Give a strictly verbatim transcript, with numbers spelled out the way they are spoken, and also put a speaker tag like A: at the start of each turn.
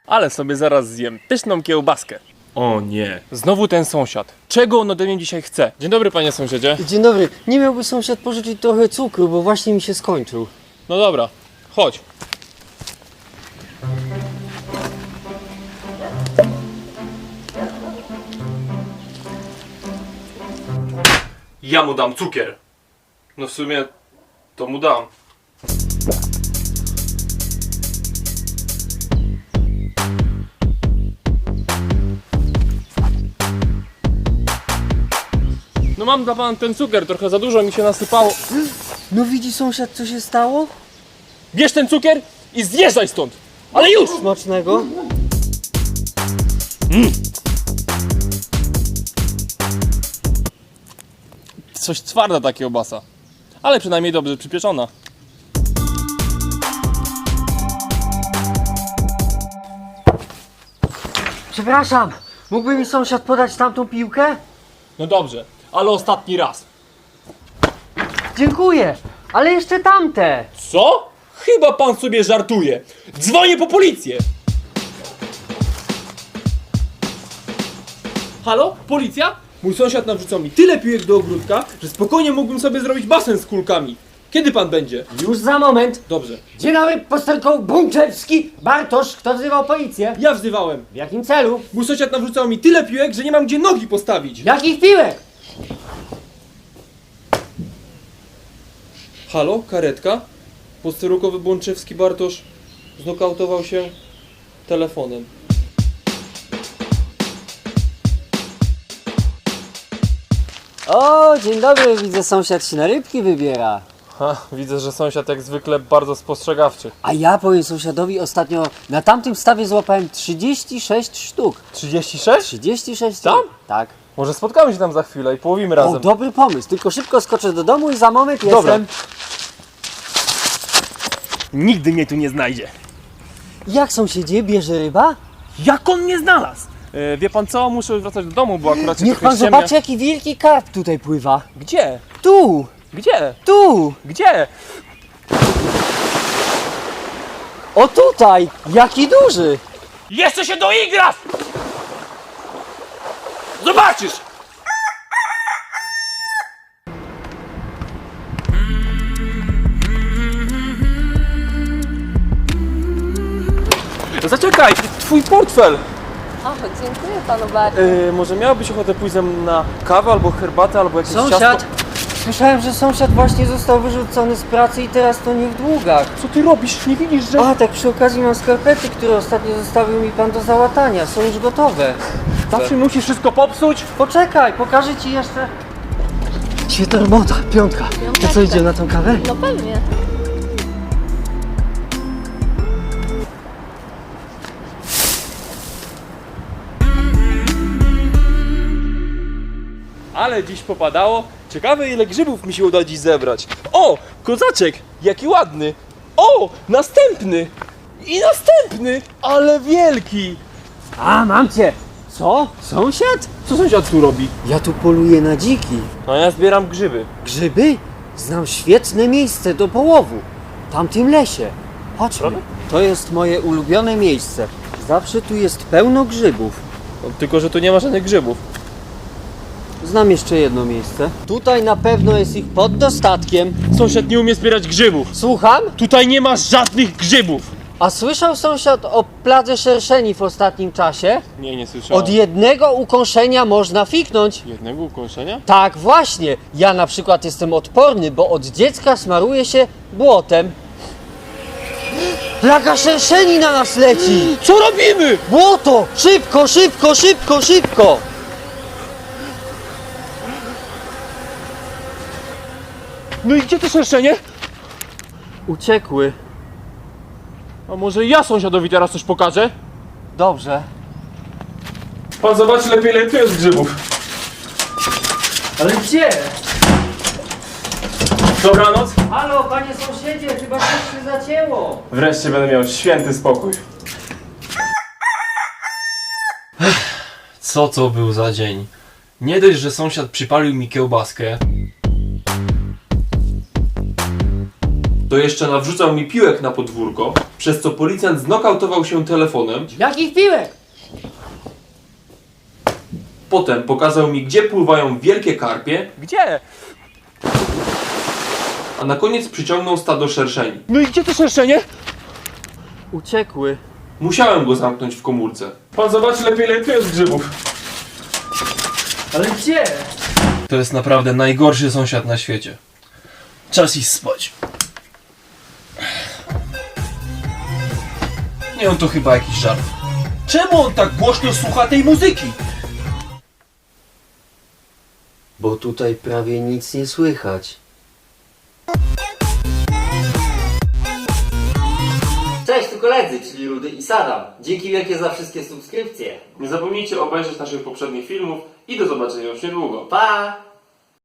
A: Ale sobie zaraz zjem pyszną kiełbaskę. O nie, znowu ten sąsiad. Czego on ode mnie dzisiaj chce? Dzień dobry, panie sąsiedzie.
B: Dzień dobry. Nie miałby sąsiad pożyczyć trochę cukru, bo właśnie mi się skończył.
A: No dobra, chodź. Ja mu dam cukier. No w sumie to mu dam. No mam dla pana ten cukier, trochę za dużo mi się nasypało.
B: No widzi sąsiad, co się stało?
A: Bierz ten cukier i zjeżdżaj stąd! Ale już!
B: Smacznego.
A: Coś twarda ta kiełbasa. Ale przynajmniej dobrze przypieczona.
B: Przepraszam, mógłby mi sąsiad podać tamtą piłkę?
A: No dobrze, ale ostatni raz.
B: Dziękuję, ale jeszcze tamte.
A: Co? Chyba pan sobie żartuje. Dzwonię po policję! Halo? Policja? Mój sąsiad nawrzucał mi tyle piłek do ogródka, że spokojnie mógłbym sobie zrobić basen z kulkami. Kiedy pan będzie?
B: Już za moment.
A: Dobrze.
B: Dzień dobry, posterunkowy Bączewski. Bartosz, kto wzywał policję?
A: Ja wzywałem.
B: W jakim celu?
A: Mój sąsiad nawrzucał mi tyle piłek, że nie mam gdzie nogi postawić.
B: Jakich piłek?
A: Halo? Karetka? Posterunkowy Bączewski Bartosz znokautował się telefonem.
B: O, dzień dobry, widzę sąsiad się na rybki wybiera.
A: Ha, widzę, że sąsiad jak zwykle bardzo spostrzegawczy.
B: A ja powiem sąsiadowi, ostatnio na tamtym stawie złapałem trzydzieści sześć sztuk.
A: trzydzieści sześć?
B: trzydzieści sześć
A: Tam?
B: sztuk. Tak.
A: Może spotkamy się tam za chwilę i połowimy
B: O,
A: razem.
B: dobry pomysł, tylko szybko skoczę do domu i za moment
A: Dobra.
B: jestem.
A: Nigdy mnie tu nie znajdzie.
B: Jak sąsiedzie, bierze ryba?
A: Jak on mnie znalazł? E, wie pan co? Muszę wracać do domu, bo akurat się
B: Niech
A: trochę
B: pan
A: ściemnia.
B: zobaczy, jaki wielki karp tutaj pływa.
A: Gdzie?
B: Tu,
A: Gdzie?
B: tu,
A: Gdzie?
B: o tutaj, jaki duży.
A: Jeszcze się doigrasz! Zobaczysz! Zaczekaj, twój portfel!
C: O, dziękuję panu bardzo.
A: Yy, może miałabyś ochotę pójść ze mną na kawę, albo herbatę, albo jakieś
B: Sąsiad,
A: ciasto?
B: słyszałem, że sąsiad właśnie został wyrzucony z pracy i teraz to nie w długach.
A: Co ty robisz? Nie widzisz, że...
B: A, tak przy okazji mam skarpety, które ostatnio zostawił mi pan do załatania, są już gotowe.
A: Zawsze musisz wszystko popsuć?
B: Poczekaj, pokażę ci jeszcze. Świetna robota, piątka. To co, idziemy na tą kawę?
C: No pewnie.
A: Ale dziś popadało. Ciekawe, ile grzybów mi się uda dziś zebrać. O, kozaczek, jaki ładny. O, następny. I następny, ale wielki.
B: A, mam cię. Co? Sąsiad?
A: Co sąsiad tu robi?
B: Ja tu poluję na dziki.
A: No ja zbieram grzyby.
B: Grzyby? Znam świetne miejsce do połowu. W tamtym lesie. Chodźmy.
A: Prawda?
B: To jest moje ulubione miejsce. Zawsze tu jest pełno grzybów.
A: No, tylko, że tu nie ma żadnych grzybów.
B: Znam jeszcze jedno miejsce. Tutaj na pewno jest ich pod dostatkiem.
A: Sąsiad nie umie zbierać grzybów.
B: Słucham?
A: Tutaj nie ma żadnych grzybów.
B: A słyszał sąsiad o pladze szerszeni w ostatnim czasie?
A: Nie, nie słyszałem.
B: Od jednego ukąszenia można fiknąć.
A: jednego ukąszenia?
B: Tak, właśnie. Ja na przykład jestem odporny, bo od dziecka smaruję się błotem. Plaga szerszeni na nas leci!
A: Co robimy?
B: Błoto! Szybko, szybko, szybko, szybko!
A: No i gdzie to szerszenie?
B: Uciekły.
A: A może ja sąsiadowi teraz coś pokażę?
B: Dobrze.
A: Pan zobaczy lepiej, ile tu jest grzybów.
B: Ale gdzie?
A: Dobranoc.
B: Halo, panie sąsiedzie, chyba coś się zacięło.
A: Wreszcie będę miał święty spokój.
D: Co to był za dzień? Nie dość, że sąsiad przypalił mi kiełbaskę,
A: to jeszcze nawrzucał mi piłek na podwórko, przez co policjant znokautował się telefonem.
B: Jakich piłek?
A: Potem pokazał mi, gdzie pływają wielkie karpie. Gdzie? A na koniec przyciągnął stado szerszeni.
B: No i gdzie to szerszenie? Uciekły.
A: Musiałem go zamknąć w komórce. Pan zobaczy lepiej, ile tu jest grzybów.
B: Ale gdzie?
D: To jest naprawdę najgorszy sąsiad na świecie. Czas iść spać. Nie, on to chyba jakiś żart. Czemu on tak głośno słucha tej muzyki?
B: Bo tutaj prawie nic nie słychać. Cześć, tu koledzy, czyli Rudy i Sadam. Dzięki wielkie za wszystkie subskrypcje.
A: Nie zapomnijcie obejrzeć naszych poprzednich filmów i do zobaczenia już niedługo.
B: Pa!